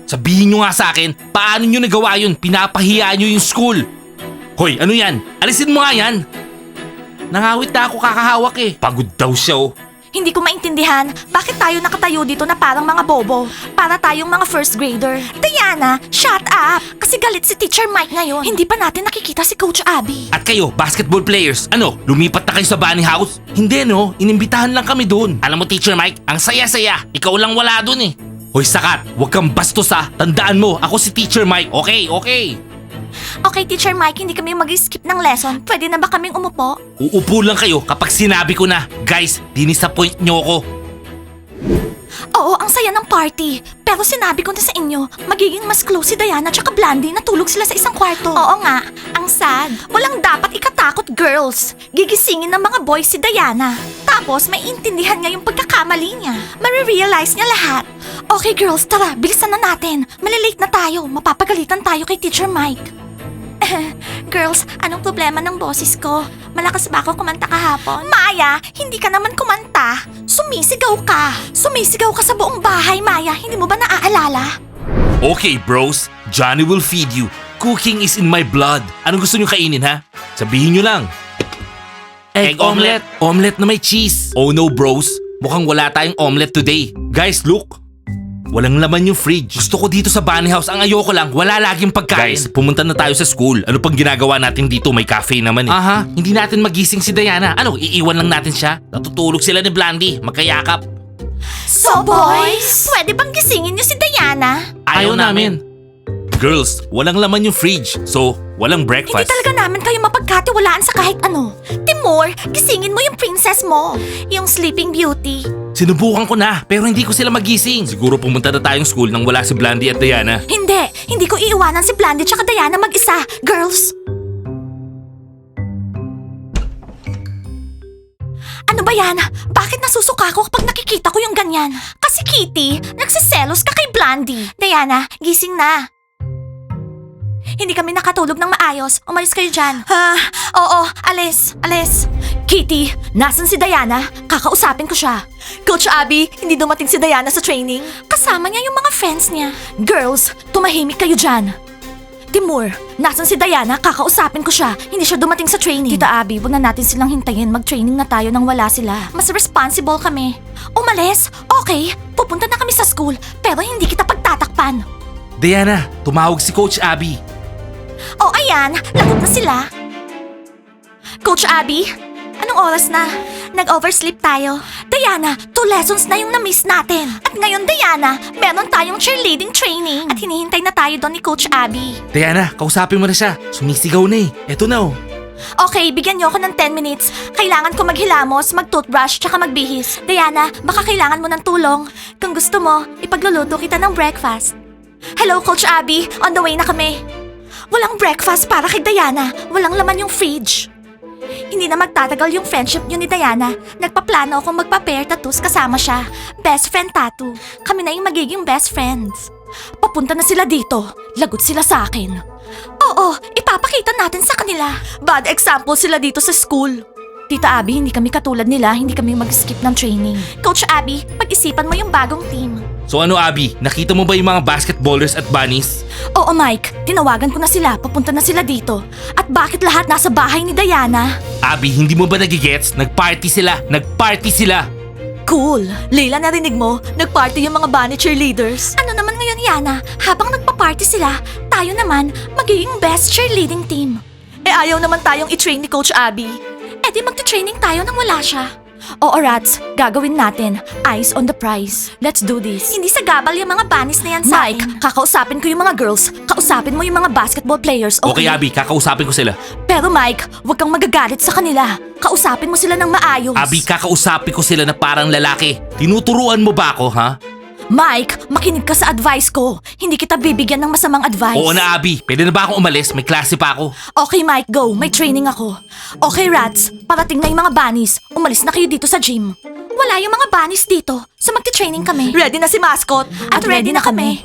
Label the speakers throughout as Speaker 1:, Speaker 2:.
Speaker 1: Sabihin nyo nga sa akin, paano nyo nagawa yun? Pinapahiya nyo yung school. Hoy, ano yan? Alisin mo nga yan. Nangawit na ako kakahawak eh. Pagod daw siya oh.
Speaker 2: Hindi ko maintindihan bakit tayo nakatayo dito na parang mga bobo. Para tayong mga first grader. Diana, shut up! Kasi galit si Teacher Mike ngayon. Hindi pa natin nakikita si Coach Abby.
Speaker 1: At kayo, basketball players, ano, lumipat na kayo sa bunny house? Hindi no, inimbitahan lang kami doon. Alam mo Teacher Mike, ang saya-saya. Ikaw lang wala doon eh. Hoy Sakat, huwag kang bastos ha. Tandaan mo, ako si Teacher Mike, okay?
Speaker 2: Okay, Teacher Mike, hindi kami mag-skip ng lesson. Pwede na ba kaming umupo?
Speaker 1: Uupo lang kayo kapag sinabi ko na. Guys, dinisappoint nyo ako.
Speaker 2: Oo, ang saya ng party. Pero sinabi ko na sa inyo, magiging mas close si Diana at Blandy na tulog sila sa isang kwarto. Oo nga, ang sad. Walang dapat ikatakot, girls. Gigisingin ng mga boys si Diana. Tapos may intindihan niya yung pagkakamali niya. Marirealize niya lahat. Okay girls, tara, bilisan na natin. Malilate na tayo. Mapapagalitan tayo kay Teacher Mike. Girls, anong problema ng boses ko? Malakas ba ako kumanta kahapon? Maya, hindi ka naman kumanta. Sumisigaw ka. Sumisigaw ka sa buong bahay, Maya. Hindi mo ba naaalala?
Speaker 1: Okay bros, Johnny will feed you. Cooking is in my blood. Anong gusto nyo kainin ha? Sabihin nyo lang. Egg omelette. Omelette na may cheese. Oh no bros, mukhang wala tayong omelette today. Guys, look. Walang laman yung fridge. Gusto ko dito sa bunny house. Ang ayoko lang, wala laging pagkain. Guys, pumunta na tayo sa school. Ano pang ginagawa natin dito? May cafe naman eh. Aha, hindi natin magising si Diana. Ano, iiwan lang natin siya? Natutulog sila ni Blandy. Magkayakap.
Speaker 2: So boys, pwede bang gisingin niyo si Diana?
Speaker 1: Ayaw namin. Girls, walang laman yung fridge. So, walang breakfast.
Speaker 2: Hindi talaga namin kayo mapagkatiwalaan sa kahit ano. Timur, gisingin mo yung princess mo. Yung Sleeping Beauty.
Speaker 1: Sinubukan ko na, pero hindi ko sila magising. Siguro pumunta na tayong school nang wala si Blandy at Diana.
Speaker 2: Hindi ko iiwanan si Blandy at Diana mag-isa. Girls! Ano ba yan? Bakit nasusuka ko kapag nakikita ko yung ganyan? Kasi Kitty, nagsiselos ka kay Blandy. Diana, gising na. Hindi kami nakatulog ng maayos. Umalis kayo dyan. Oo, alis. Kitty, nasan si Diana? Kakausapin ko siya. Coach Abby, hindi dumating si Diana sa training. Kasama niya yung mga friends niya. Girls, tumahimik kayo dyan. Timur, nasan si Diana? Kakausapin ko siya. Hindi siya dumating sa training. Tita Abby, wag na natin silang hintayin. Mag-training na tayo nang wala sila. Mas responsible kami. Umalis? Okay, pupunta na kami sa school. Pero hindi kita pagtatakpan.
Speaker 1: Diana, tumawag si Coach Abby.
Speaker 2: Oh, ayan. Lagot na sila. Coach Abby, anong oras na? Nag-oversleep tayo. Diana, 2 lessons na yung na-miss natin. At ngayon, Diana, meron tayong cheerleading training. At hinihintay na tayo doon ni Coach Abby.
Speaker 1: Diana, kausapin mo na siya. Sumisigaw na eh. Eto na oh.
Speaker 2: Okay, bigyan niyo ako ng 10 minutes. Kailangan ko maghilamos, mag-toothbrush, tsaka magbihis. Diana, baka kailangan mo ng tulong. Kung gusto mo, ipagluluto kita ng breakfast. Hello, Coach Abby. On the way na kami. Walang breakfast para kay Diana. Walang laman yung fridge. Hindi na magtatagal yung friendship niyo ni Diana. Nagpaplano akong magpa-pair tattoos kasama siya. Best friend tattoo. Kami na yung magiging best friends. Papunta na sila dito. Lagot sila sa akin. Oo, ipapakita natin sa kanila. Bad example sila dito sa school. Tita Abby, hindi kami katulad nila. Hindi kami mag-skip ng training. Coach Abby, pag-isipan mo yung bagong team.
Speaker 1: So ano Abby, nakita mo ba yung mga basketballers at bunnies?
Speaker 2: Oo Mike, tinawagan ko na sila. Papunta na sila dito. At bakit lahat nasa bahay ni Diana?
Speaker 1: Abby, hindi mo ba nagigets? Nagparty sila.
Speaker 2: Cool. Leila, narinig mo? Nagparty yung mga bunny cheerleaders. Ano naman ngayon, Yana? Habang nagpa-party sila, tayo naman magiging best cheerleading team. Eh ayaw naman tayong i-train ni Coach Abby. Eh di magta-training tayo nang wala siya. Oo, Rats. Gagawin natin. Eyes on the prize. Let's do this. Hindi sa gabal yung mga bunnies na yan sa akin. Mike, kakausapin ko yung mga girls. Kausapin mo yung mga basketball players, okay?
Speaker 1: Okay Abby, kakausapin ko sila.
Speaker 2: Pero Mike, huwag kang magagalit sa kanila. Kausapin mo sila ng maayos.
Speaker 1: Abby, kakausapin ko sila na parang lalaki. Tinuturuan mo ba ako, ha?
Speaker 2: Mike, makinig ka sa advice ko. Hindi kita bibigyan ng masamang advice.
Speaker 1: Oo na Abby, pwede na ba akong umalis? May klase pa ako.
Speaker 2: Okay Mike, go. May training ako. Okay Rats, parating na yung mga bunnies. Umalis na kayo dito sa gym. Wala yung mga bunnies dito, so magti-training kami. Ready na si Mascot. At ready na kami.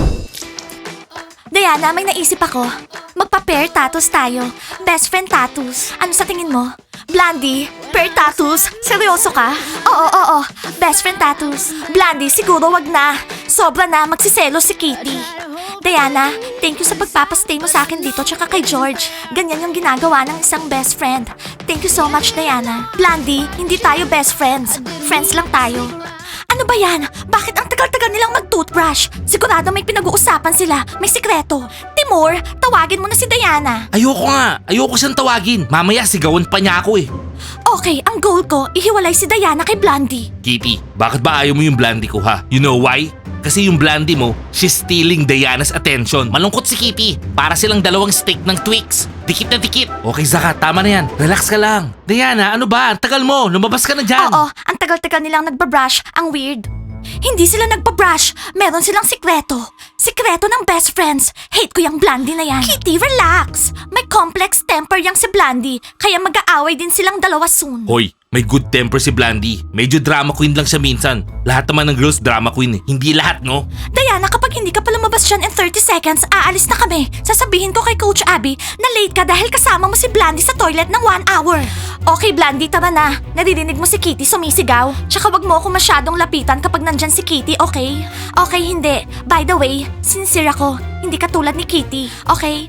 Speaker 2: Diana, may naisip ako. Magpa-pair tattoos tayo. Best friend tattoos. Ano sa tingin mo? Blandy, per tattoos? Seryoso ka? Oo. Best friend tattoos. Blandy, siguro wag na. Sobra na, magsiselo si Kitty. Diana, thank you sa pagpapastay mo sa akin dito tsaka kay George. Ganyan yung ginagawa ng isang best friend. Thank you so much, Diana. Blandy, hindi tayo best friends. Friends lang tayo. Ano ba yan? Bakit ang tagal-tagal nilang mag-toothbrush? Sigurado may pinag-uusapan sila. May sikreto. Timur, tawagin mo na si Diana.
Speaker 1: Ayoko nga. Ayoko siyang tawagin. Mamaya sigawan pa niya ako eh.
Speaker 2: Okay, ang goal ko, ihiwalay si Diana kay Blandy.
Speaker 1: Kitty, bakit ba ayaw mo yung Blandy ko ha? You know why? Kasi yung Blandy mo, she's stealing Diana's attention. Malungkot si Kitty. Para silang dalawang stick ng Twix. Dikit na dikit. Okay, Zaka, tama na yan. Relax ka lang. Diana, ano ba? Ang tagal mo. Lumabas ka na dyan.
Speaker 2: Oo, ang tagal-tagal nilang nagbabrush. Ang weird. Hindi sila nagbabrush. Meron silang sikreto. Sikreto ng best friends. Hate ko yung Blandy na yan. Kitty, relax. May complex temper yang si Blandy. Kaya mag-aaway din silang dalawa soon.
Speaker 1: Hoy, may good temper si Blandy. Medyo drama queen lang siya minsan. Lahat naman ng girls drama queen eh. Hindi lahat, no?
Speaker 2: Diana, kapag hindi ka pa lumabas dyan in 30 seconds, aalis na kami. Sasabihin ko kay Coach Abby na late ka dahil kasama mo si Blandy sa toilet ng 1 hour. Okay, Blandy, tara na. Naririnig mo si Kitty sumisigaw. Tsaka wag mo ako masyadong lapitan kapag nandyan si Kitty, okay? Okay, hindi. By the way, sincere ako. Hindi ka tulad ni Kitty, okay?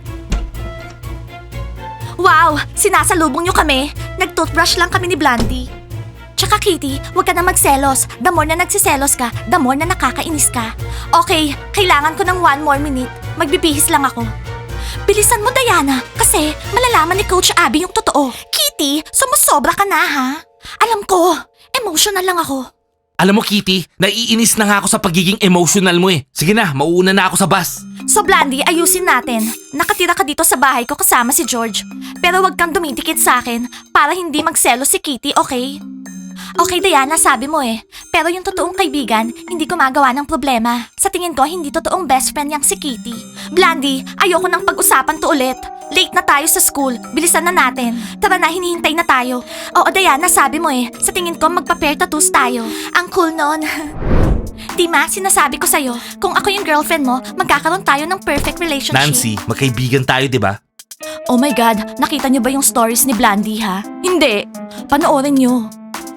Speaker 2: Wow! Sinasalubong nyo kami. Nag-toothbrush lang kami ni Blandy. Tsaka Kitty, huwag ka na magselos. The more na nagsiselos ka, the more na nakakainis ka. Okay, kailangan ko ng 1 more minute. Magbibihis lang ako. Bilisan mo, Diana, kasi malalaman ni Coach Abby yung totoo. Kitty, sumusobra ka na, ha? Alam ko, emotional lang ako.
Speaker 1: Alam mo, Kitty, naiinis na nga ako sa pagiging emotional mo eh. Sige na, mauuna na ako sa bus.
Speaker 2: So Blandy, ayusin natin. Nakatira ka dito sa bahay ko kasama si George. Pero wag kang dumidikit sa akin para hindi magselos si Kitty, okay? Okay, Diana, sabi mo eh. Pero yung totoong kaibigan, hindi gumagawa ng problema. Sa tingin ko, hindi totoong best friend yang si Kitty. Blandy, ayoko nang pag-usapan to ulit. Late na tayo sa school. Bilisan na natin. Tara na, hinihintay na tayo. Oo, Diana, sabi mo eh. Sa tingin ko, magpa-pair tattoos tayo. Ang cool nun. Dima, sinasabi ko sa'yo, kung ako yung girlfriend mo, magkakaroon tayo ng perfect relationship.
Speaker 1: Nancy, magkaibigan tayo, di ba?
Speaker 2: Oh my God, nakita niyo ba yung stories ni Blandy, ha? Hindi. Panoorin niyo.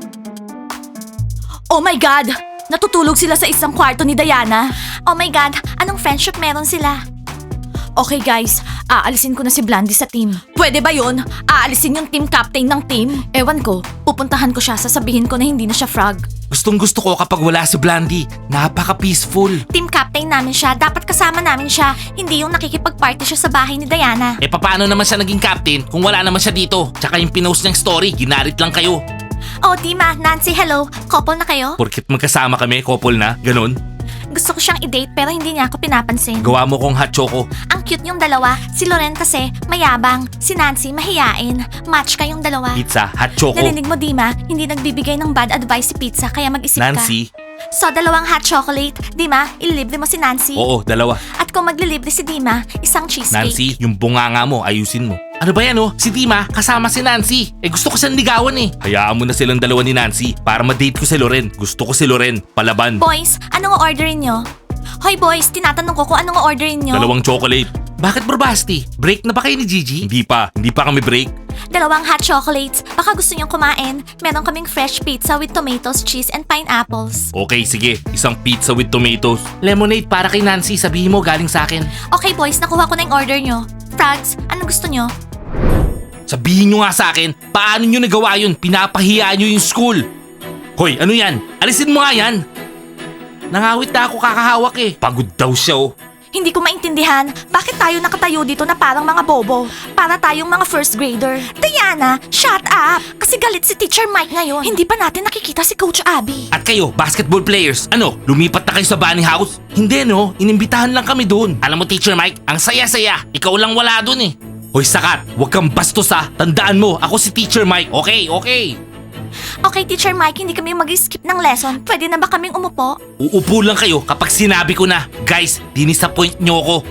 Speaker 2: Oh my God! Natutulog sila sa isang kwarto ni Diana. Oh my God, anong friendship meron sila? Okay guys, aalisin ko na si Blandy sa team. Pwede ba yun? Aalisin yung team captain ng team? Ewan ko, pupuntahan ko siya, sasabihin ko na hindi na siya frog.
Speaker 1: Gustong gusto ko kapag wala si Blandy. Napaka-peaceful.
Speaker 2: Team captain namin siya, dapat kasama namin siya. Hindi yung nakikipag-party siya sa bahay ni Diana.
Speaker 1: Eh paano naman siya naging captain kung wala naman siya dito? Tsaka yung pinost niyang story, ginarit lang kayo.
Speaker 2: Oh, Dima, Nancy, hello. Couple na kayo?
Speaker 1: Porkit magkasama kami, couple na, ganun.
Speaker 2: Gusto ko siyang i-date pero hindi niya ako pinapansin.
Speaker 1: Gawa mo kong hot choco.
Speaker 2: Ang cute yung dalawa. Si Loren kasi mayabang. Si Nancy mahiyain. Match kayong dalawa.
Speaker 1: Pizza, hot choco.
Speaker 2: Narinig mo, Dima? Hindi nagbibigay ng bad advice si Pizza kaya mag-isip
Speaker 1: Nancy.
Speaker 2: ka. So, 2 hot chocolate. Dima, ililibre mo si Nancy.
Speaker 1: Oo, 2.
Speaker 2: At kung maglilibre si Dima, isang cheesecake.
Speaker 1: Nancy, yung bunganga mo, ayusin mo. Ano ba yan oh? Si Dima, kasama si Nancy. Eh gusto ko siyang ligawan eh. Hayaan mo na silang dalawa ni Nancy para ma-date ko si Loren. Gusto ko si Loren, palaban.
Speaker 2: Boys, anong orderin nyo? Hoy boys, tinatanong ko kung anong orderin nyo.
Speaker 1: 2 chocolate. Bakit Barbasti? Break na ba kayo ni Gigi? Hindi pa kami break.
Speaker 2: 2 hot chocolates. Baka gusto niyong kumain. Meron kaming fresh pizza with tomatoes, cheese, and pineapples.
Speaker 1: Okay, sige. Isang pizza with tomatoes. Lemonade para kay Nancy. Sabihin mo galing sa akin.
Speaker 2: Okay boys, nakuha ko na yung order nyo. Frogs, anong gusto nyo?
Speaker 1: Sabihin nyo nga sa akin, paano nyo nagawa yun? Pinapahiya nyo yung school. Hoy, ano yan? Alisin mo nga yan. Nangawit na ako kakahawak eh. Pagod daw siya oh.
Speaker 2: Hindi ko maintindihan, bakit tayo nakatayo dito na parang mga bobo? Para tayong mga first grader. Diana, shut up! Kasi galit si Teacher Mike ngayon. Hindi pa natin nakikita si Coach Abby.
Speaker 1: At kayo, basketball players, ano, lumipat na kayo sa bunny house? Hindi no, inimbitahan lang kami doon. Alam mo Teacher Mike, ang saya-saya. Ikaw lang wala doon eh. Hoy Sakat, huwag kang bastos ha. Tandaan mo, ako si Teacher Mike, okay?
Speaker 2: Okay, Teacher Mike, hindi kami mag-skip ng lesson. Pwede na ba kaming umupo?
Speaker 1: Uupo lang kayo kapag sinabi ko na. Guys, dinisappoint nyo ako.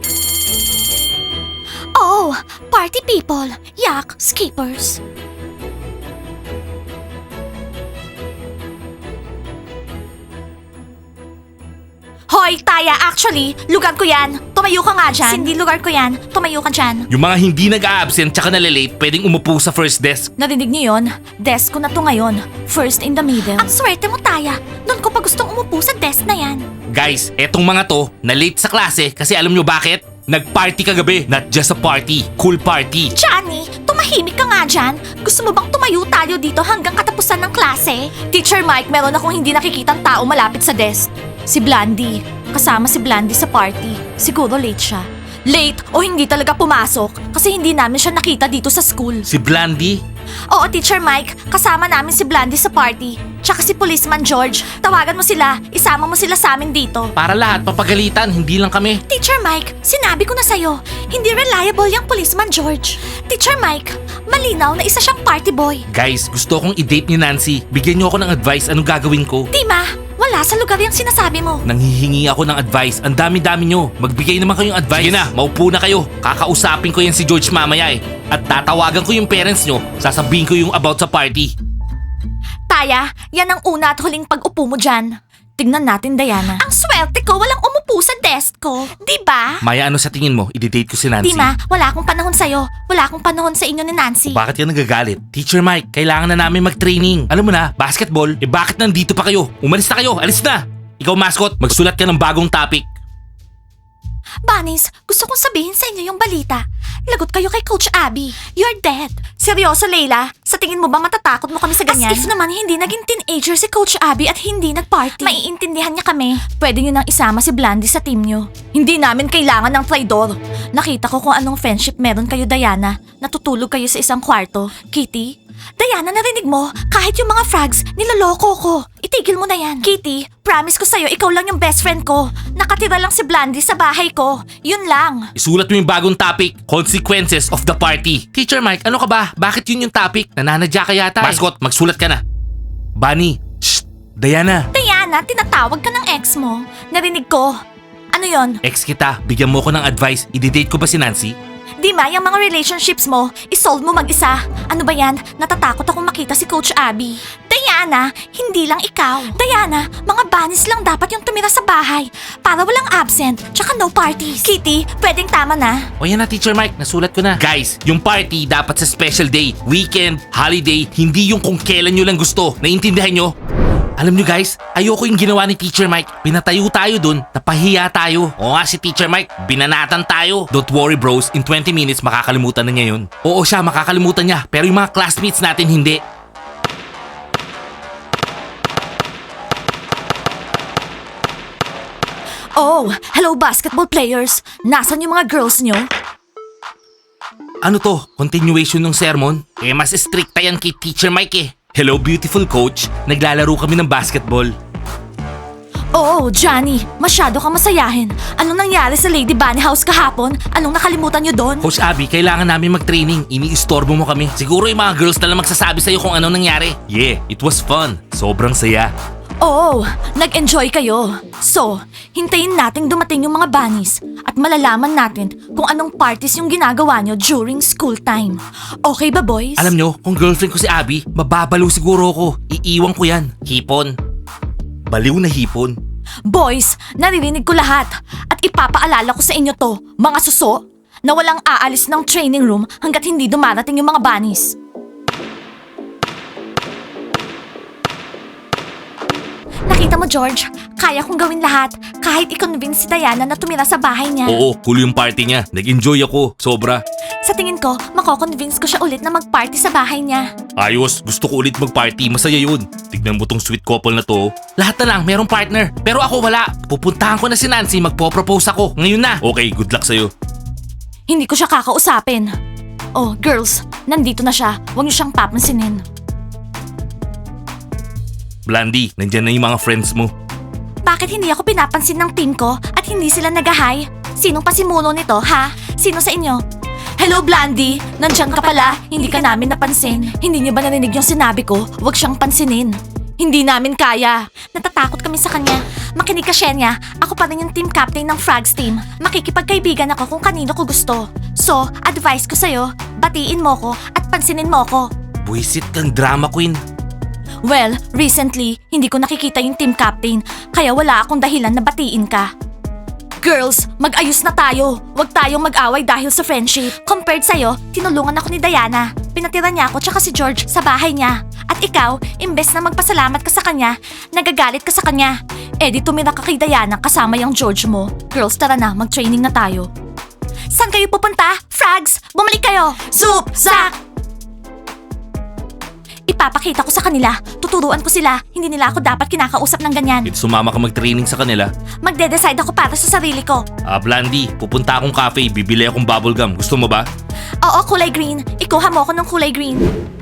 Speaker 2: Oh, party people. Yak, skippers. Hoy, Taya, actually, lugar ko yan. Tumayo ka nga dyan. Cindy, lugar ko yan. Tumayo ka dyan.
Speaker 1: Yung mga hindi nag-a-absent tsaka nalalate, pwedeng umupo sa first desk.
Speaker 2: Narinig niyo yun? Desk ko na to ngayon. First in the middle. Ang swerte mo, Taya. Doon ko pa gustong umupo sa desk na yan.
Speaker 1: Guys, etong mga to, na-late sa klase kasi alam nyo bakit? Nag-party kagabi, not just a party, cool party.
Speaker 2: Johnny, tumahimik ka nga dyan. Gusto mo bang tumayo tayo dito hanggang katapusan ng klase? Teacher Mike, meron akong hindi nakikitang tao malapit sa desk. Si Blandy. Kasama si Blandy sa party. Siguro late siya. Late o hindi talaga pumasok kasi hindi namin siya nakita dito sa school.
Speaker 1: Si Blandy?
Speaker 2: Oo, Teacher Mike. Kasama namin si Blandy sa party. Tsaka si Policeman George. Tawagan mo sila. Isama mo sila sa amin dito.
Speaker 1: Para lahat papagalitan, hindi lang kami.
Speaker 2: Teacher Mike, sinabi ko na sa'yo, hindi reliable yung Policeman George. Teacher Mike, malinaw na isa siyang party boy.
Speaker 1: Guys, gusto kong i-date ni Nancy. Bigyan niyo ako ng advice anong gagawin ko.
Speaker 2: Dima, wala sa lugar yung sinasabi mo.
Speaker 1: Nanghihingi ako ng advice. Ang dami-dami nyo. Magbigay naman kayong advice. Sige na, maupo na kayo. Kakausapin ko yan si George mamaya eh. At tatawagan ko yung parents nyo. Sasabihin ko yung about sa party.
Speaker 2: Taya, yan ang una at huling pag-upo mo dyan. Tingnan natin, Diana. Ang swerte ko, walang umupo sa desk ko. Di ba?
Speaker 1: Maya, ano sa tingin mo? I-date ko si Nancy.
Speaker 2: Dima, wala akong panahon sa'yo. Wala akong panahon sa inyo ni Nancy.
Speaker 1: Bakit ka nagagalit? Teacher Mike, kailangan na namin mag-training. Alam mo na, basketball, bakit nandito pa kayo? Umalis na kayo, alis na! Ikaw mascot, magsulat ka ng bagong topic.
Speaker 2: Bunnies, gusto kong sabihin sa inyo yung balita. Lagot kayo kay Coach Abby. You're dead. Seryoso, Leila? Sa tingin mo ba matatakot mo kami sa ganyan? As if naman hindi naging teenager si Coach Abby at hindi nag-party. Maiintindihan niya kami. Pwede niyo nang isama si Blandy sa team niyo. Hindi namin kailangan ng traidor. Nakita ko kung anong friendship meron kayo, Diana. Natutulog kayo sa isang kwarto. Kitty? Diana, narinig mo? Kahit yung mga frogs, nilaloko ko. Itigil mo na yan. Kitty, promise ko sa'yo, ikaw lang yung best friend ko. Nakatira lang si Blandy sa bahay ko. Yun lang.
Speaker 1: Isulat mo yung bagong topic, Consequences of the Party. Teacher Mike, ano ka ba? Bakit yun yung topic? Nananadya ka yata. Mascot, magsulat ka na. Bunny, shh, Diana.
Speaker 2: Diana, tinatawag ka ng ex mo. Narinig ko. Ano yon?
Speaker 1: Ex kita, bigyan mo ko ng advice. I-date ko ba si Nancy?
Speaker 2: Di ba, yung mga relationships mo, isolve mo mag-isa. Ano ba yan? Natatakot akong makita si Coach Abby. Diana, hindi lang ikaw. Diana, mga bunnies lang dapat yung tumira sa bahay. Para walang absent, tsaka no parties. Kitty, pwedeng tama na.
Speaker 1: O yan na, Teacher Mike, nasulat ko na. Guys, yung party dapat sa special day, weekend, holiday, hindi yung kung kailan nyo lang gusto. Naiintindihan nyo? Alam nyo guys, ayoko yung ginawa ni Teacher Mike. Pinatayo tayo dun, napahiya tayo. O nga si Teacher Mike, binanatan tayo. Don't worry bros, in 20 minutes makakalimutan na niya yun. Oo siya, makakalimutan niya, pero yung mga classmates natin hindi.
Speaker 2: Oh, hello basketball players. Nasaan yung mga girls nyo?
Speaker 1: Ano to? Continuation ng sermon? Eh mas stricta yan kay Teacher Mike eh. Hello beautiful coach, naglalaro kami ng basketball.
Speaker 2: Oh, Johnny, masyado kang masayahin. Anong nangyari sa Lady Bunny House kahapon? Anong nakalimutan nyo doon?
Speaker 1: Coach Abby, kailangan namin mag-training. Iniistorbo mo kami. Siguro yung mga girls na lang magsasabi sa'yo kung anong nangyari. Yeah, it was fun. Sobrang saya.
Speaker 2: Oo, nag-enjoy kayo. So, hintayin nating dumating yung mga bunnies at malalaman natin kung anong parties yung ginagawa nyo during school time. Okay ba, boys?
Speaker 1: Alam nyo, kung girlfriend ko si Abby, mababalo siguro ako. Iiwan ko yan. Hipon. Baliw na hipon.
Speaker 2: Boys, naririnig ko lahat at ipapaalala ko sa inyo to, mga suso, na walang aalis ng training room hanggat hindi dumarating yung mga bunnies. Nakita mo, George, kaya kong gawin lahat kahit i-convince si Diana na tumira sa bahay niya.
Speaker 1: Oo, cool yung party niya. Nag-enjoy ako. Sobra.
Speaker 2: Sa tingin ko, mako-convince ko siya ulit na mag-party sa bahay niya.
Speaker 1: Ayos, gusto ko ulit mag-party. Masaya yun. Tignan mo tong sweet couple na to. Lahat na lang, merong partner. Pero ako wala. Pupuntahan ko na si Nancy, magpo-propose ako. Ngayon na. Okay, good luck sa'yo.
Speaker 2: Hindi ko siya kakausapin. Oh, girls, nandito na siya. Huwag niyo siyang papansinin.
Speaker 1: Blandy, nandyan na yung mga friends mo.
Speaker 2: Bakit hindi ako pinapansin ng team ko at hindi sila nag-hi? Sinong pasimuno nito, ha? Sino sa inyo? Hello, Blandy! Nandiyan ka pala. Hindi ka namin napansin. Hindi niyo ba narinig yung sinabi ko? Huwag siyang pansinin. Hindi namin kaya. Natatakot kami sa kanya. Makinig ka, Shenya. Ako pa rin yung team captain ng Frogs team. Makikipagkaibigan ako kung kanino ko gusto. So, advice ko sa'yo, batiin mo ko at pansinin mo ko.
Speaker 1: Buisit kang drama queen.
Speaker 2: Well, recently, hindi ko nakikita yung team captain, kaya wala akong dahilan na batiin ka. Girls, mag-ayos na tayo. Huwag tayong mag-away dahil sa friendship. Compared sa'yo, tinulungan ako ni Diana. Pinatira niya ako tsaka si George sa bahay niya. At ikaw, imbes na magpasalamat ka sa kanya, nagagalit ka sa kanya. Eh di tumira ka kay Diana kasama yung George mo. Girls, tara na, mag-training na tayo. Saan kayo pupunta? Frags, bumalik kayo! Soup! Zach! Ipapakita ko sa kanila. Tuturuan ko sila. Hindi nila ako dapat kinakausap ng ganyan.
Speaker 1: Pwede sumama ka mag-training sa kanila.
Speaker 2: Magde-decide ako para sa sarili ko.
Speaker 1: Blandy, pupunta akong cafe, bibili akong bubblegum. Gusto mo ba?
Speaker 2: Oo, kulay green. Ikuha mo ako ng kulay green.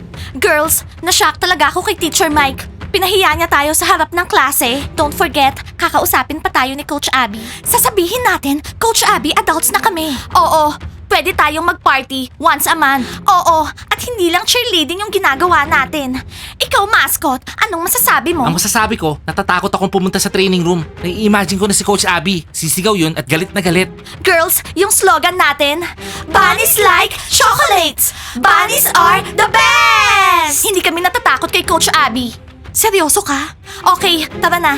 Speaker 2: Girls, na-shock talaga ako kay Teacher Mike. Pinahiya niya tayo sa harap ng klase. Don't forget, kakausapin pa tayo ni Coach Abby. Sasabihin natin, Coach Abby, adults na kami. Oo, pwede tayong mag-party once a month. Oo, at hindi lang cheerleading yung ginagawa natin. Ikaw, mascot, anong masasabi mo?
Speaker 1: Ang masasabi ko, natatakot akong pumunta sa training room. Nai-imagine ko na si Coach Abby. Sisigaw yun at galit na galit.
Speaker 2: Girls, yung slogan natin, Bunnies like chocolates! Bunnies are the best! Hindi kami natatakot kay Coach Abby. Seryoso ka? Okay, tara na.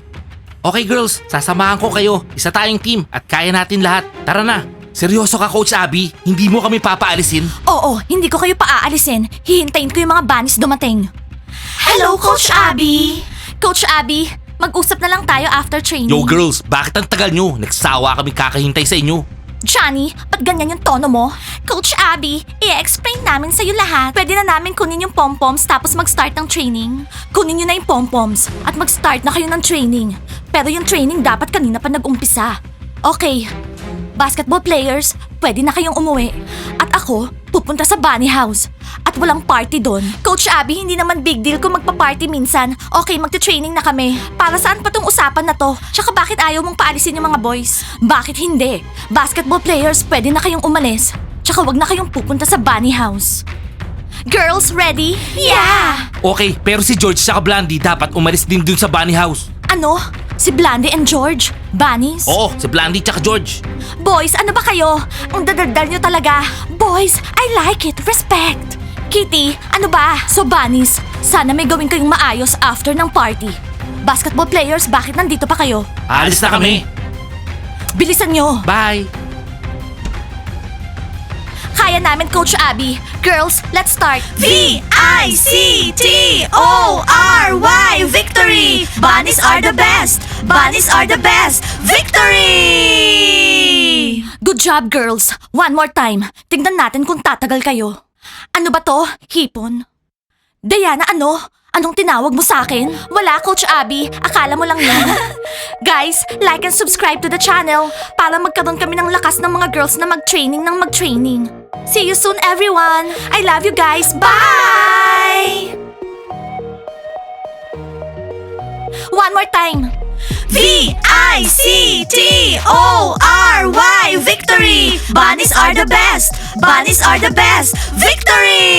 Speaker 1: Okay girls, sasamahan ko kayo. Isa tayong team at kaya natin lahat. Tara na. Seryoso ka Coach Abby? Hindi mo kami papaalisin?
Speaker 2: Oo, hindi ko kayo paaalisin. Hihintayin ko yung mga bunnies dumating. Hello, Coach Abby! Coach Abby, mag-usap na lang tayo after training.
Speaker 1: Yo girls, bakit ang tagal nyo? Nagsawa kami kakahintay sa inyo.
Speaker 2: Johnny, ba't ganyan yung tono mo? Coach Abby, i-explain namin sa'yo lahat. Pwede na namin kunin yung pom-poms tapos mag-start ng training. Kunin nyo na yung pom-poms at mag-start na kayo ng training. Pero yung training dapat kanina pa nag-umpisa. Okay, basketball players, pwede na kayong umuwi. At ako, pupunta sa bunny house. At walang party doon. Coach Abby, hindi naman big deal kung magpa-party minsan. Okay, magte-training na kami. Para saan pa tong usapan na to? Tsaka bakit ayaw mong paalisin yung mga boys? Bakit hindi? Basketball players, pwede na kayong umalis. Tsaka wag na kayong pupunta sa bunny house. Girls, ready? Yeah!
Speaker 1: Okay, pero si George sa Blandy dapat umalis din dun sa bunny house.
Speaker 2: Ano? Si Blandy and George? Bunnies?
Speaker 1: Oo, si Blandy tsaka George.
Speaker 2: Boys, ano ba kayo? Ang dadaldal nyo talaga. Boys, I like it. Respect. Kitty, ano ba? So bunnies, sana may gawin kayong maayos after ng party. Basketball players, bakit nandito pa kayo?
Speaker 1: Alis na kami.
Speaker 2: Bilisan nyo.
Speaker 1: Bye.
Speaker 2: Kaya namin, Coach Abby. Girls, let's start. V-I-C-T-O-R-Y Victory! Bunnies are the best! Bunnies are the best! Victory! Good job, girls. One more time. Tingnan natin kung tatagal kayo. Ano ba to? Hipon? Diana, ano? Anong tinawag mo sa akin? Wala, Coach Abby. Akala mo lang yun. Guys, like and subscribe to the channel para magkaroon kami ng lakas ng mga girls na mag-training ng mag-training. See you soon, everyone. I love you guys. Bye! One more time. V-I-C-T-O-R-Y Victory! Bunnies are the best! Bunnies are the best! Victory!